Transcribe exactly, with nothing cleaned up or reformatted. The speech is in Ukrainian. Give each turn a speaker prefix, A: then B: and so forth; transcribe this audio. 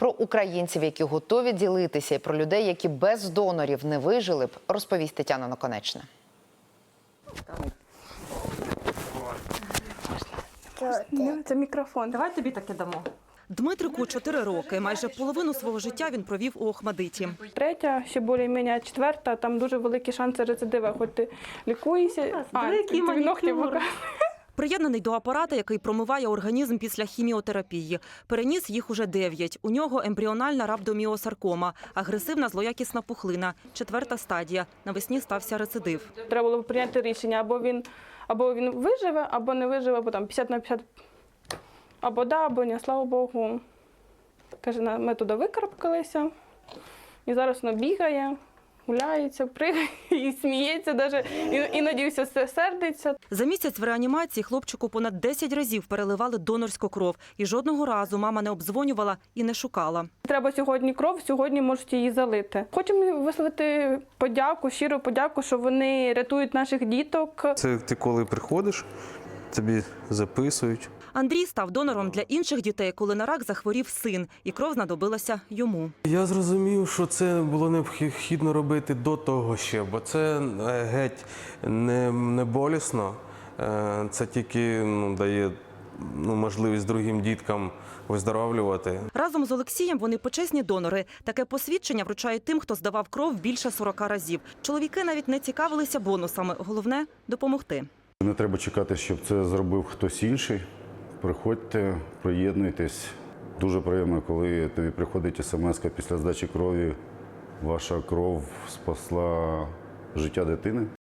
A: Про українців, які готові ділитися, і про людей, які без донорів не вижили б, розповість Тетяна Наконечна.
B: Це мікрофон.
C: Давай тобі таке дамо.
D: Дмитрику чотири роки. Майже половину свого життя він провів у Охмадиті.
B: Третя, ще більш-менш, четверта, там дуже великі шанси рецидива, хоч ти лікуєшся.
C: А, який манікюр.
D: Приєднаний до апарата, який промиває організм після хіміотерапії. Переніс їх уже дев'ять. У нього ембріональна рhabdomyosarcoma, агресивна злоякісна пухлина, четверта стадія. Навесні стався рецидив.
B: Треба було прийняти рішення, або він, або він виживе, або не виживе, або там п'ятдесят на п'ятдесят. Або да, або ні, слава Богу. Каже, ми туди викарабкалися, і зараз воно бігає, гуляється, пригає і сміється, навіть іноді все сердиться.
D: За місяць в реанімації хлопчику понад десять разів переливали донорську кров. І жодного разу мама не обдзвонювала і не шукала.
B: Треба сьогодні кров, сьогодні можуть її залити. Хочемо висловити подяку, щиру подяку, що вони рятують наших діток.
E: Це ти коли приходиш, тобі записують.
D: Андрій став донором для інших дітей, коли на рак захворів син, і кров знадобилася йому.
E: Я зрозумів, що це було необхідно робити до того ще, бо це геть не, не болісно, це тільки ну, дає ну, можливість другим діткам виздоровлювати.
D: Разом з Олексієм вони почесні донори. Таке посвідчення вручають тим, хто здавав кров більше сорока разів. Чоловіки навіть не цікавилися бонусами. Головне – допомогти.
F: Не треба чекати, щоб це зробив хтось інший. Приходьте, приєднуйтесь. Дуже приємно, коли тобі приходить смс-ка після здачі крові. Ваша кров спасла життя дитини.